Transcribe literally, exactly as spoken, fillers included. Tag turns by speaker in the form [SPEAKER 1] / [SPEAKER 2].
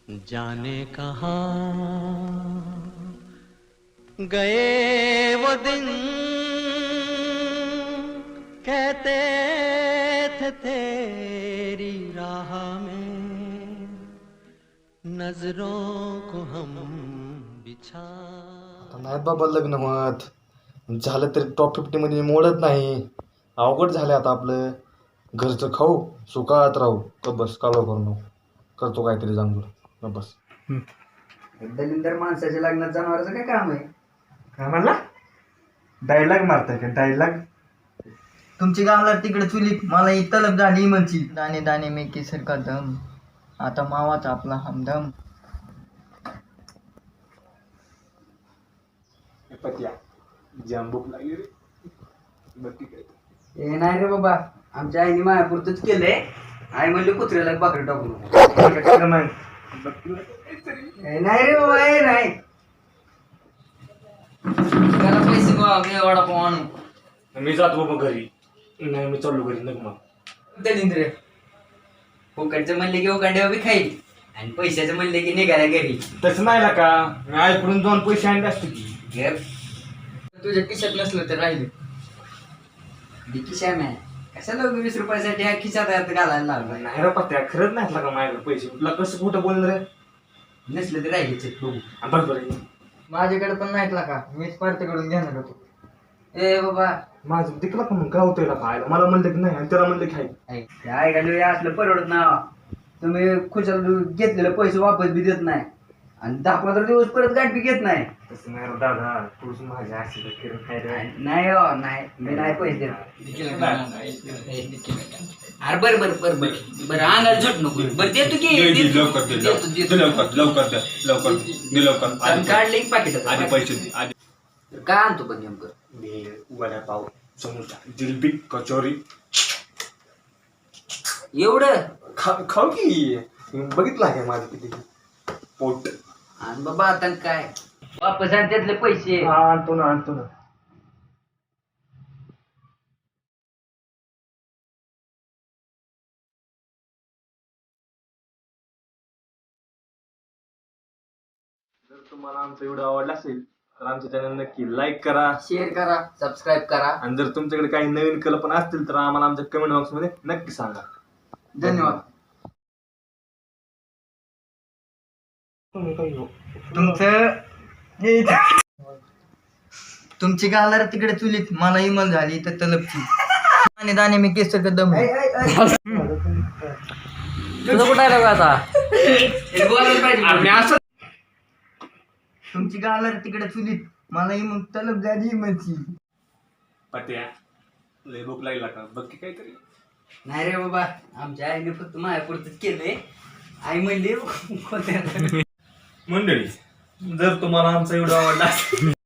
[SPEAKER 1] जाने कहाँ गए वो दिन कहते थे तेरी राह में नजरों को हम बिछा.
[SPEAKER 2] नाही बाबा लग्न मत झालं तरी टॉप फिफ्टी मध्ये मोडत नाही. अवघड झालं आता आपलं. घरचं खाऊ सुखात राहू का बस कालो करू करतो काहीतरी जांभूळ का बस.
[SPEAKER 3] दलिंदर माणसाच्या लग्नात जनावराचं काय काम आहे?
[SPEAKER 2] काय म्हणला? डायलॉग मारताय का डायलॉग?
[SPEAKER 3] तुमची गावला तिकडे चुलीत मला ही तलब झाली म्हणची. दाणे दाणे में केसर का दम आता मावाचा आपला हमदम.
[SPEAKER 2] पत्या जांबूक लागली रे. बघ काय
[SPEAKER 3] ए नाही रे बाबा, आमच्या आईने मायापुरतच केलंय. आई म्हणली कुत्र्याला बाकरी टाकून. ए नाही रे बाबा, ए नाही. त्याला पैसे गोळा वडापाव आणू.
[SPEAKER 2] मी जातो बाबा घरी. नाही मी चाललो घरी नको मग.
[SPEAKER 3] दलिंद्र फुकटचं म्हणले की उकांड्या बी खाईल आणि पैशाचं म्हणले की निघाला घरी.
[SPEAKER 2] तसं नाही ना का मी आईकडून दोन पैसे आणले असते की.
[SPEAKER 3] घे. तुझ्या खिशात नसलं तर राहिले खिशा मॅ कशाला वीस रुपयासाठी ह्या खिशात घालायला लागला.
[SPEAKER 2] नाही रे पत्या खरंच नाही का माझ्याकडे पैसे. तुला कसं कुठं बोललं रे?
[SPEAKER 3] नसलं तर राहिले बघू.
[SPEAKER 2] बरं बरं
[SPEAKER 3] माझ्याकडे पण नाहीत का, मीच पार्टीकडून घेणार होतो. ए बाबा
[SPEAKER 2] माझं तिकला पण काय होतंय ना खायला. मला म्हणलं की नाही आणि त्याला म्हणलं की खाय.
[SPEAKER 3] काय घालू असलं परवडत ना. तुम्ही खुशाल घेतलेले पैसे वापस बी देत नाही आणि दहा पंधरा दिवस परत गाठ बी घेत नाही.
[SPEAKER 2] तसं नाही रे दादा. तूच माझ्या आशीर्वाद करून खाय रे.
[SPEAKER 3] नाही हो नाही, मी नाही पैसे देत. अरे बर बर बर बर बरं अंगाला झट नको. बरं देतो की
[SPEAKER 4] लवकर दे लवकर लवकर लवकर द्या लवकर दे लवकर.
[SPEAKER 3] काढले एक पाकिट
[SPEAKER 4] आधी पैसे दे आधी.
[SPEAKER 3] काय आणतो पण नेमकं?
[SPEAKER 2] भेळ वडापाव समोसा जिलबी कचोरी
[SPEAKER 3] एवढं
[SPEAKER 2] खा खाऊ की. बघितलं आहे माझं किती पोट.
[SPEAKER 3] आणि बाबा आता काय वापस आण त्यातले पैसे.
[SPEAKER 2] हा आणतो ना आणतो ना. जर तुम्हाला आमचा व्हिडिओ आवडला असेल तर आमच्या चॅनल नक्की लाईक करा,
[SPEAKER 3] शेअर करा, सबस्क्राईब करा.
[SPEAKER 2] आणि जर तुमच्याकडे काही नवीन कल्पना असतील तर आम्हाला आमच्या कमेंट बॉक्स मध्ये नक्की सांगा.
[SPEAKER 3] धन्यवाद. तुमचं तुमची गालार तिकडे चुलीत मला इमल झाली तर तलपची आणि दाणे मी केस दम. तुझं कुठं आहे आता? तुमची गालार तिकडे चुलीत मला मग तलप झाली इमलची.
[SPEAKER 2] पत्या लय भूक लागला का बघ की काहीतरी.
[SPEAKER 3] नाही रे बाबा, आमच्या आईने फक्त मायापुरतच केलंय. आई म्हणली
[SPEAKER 2] मंडळी जर तुम्हाला आमचा व्हिडिओ आवडला असेल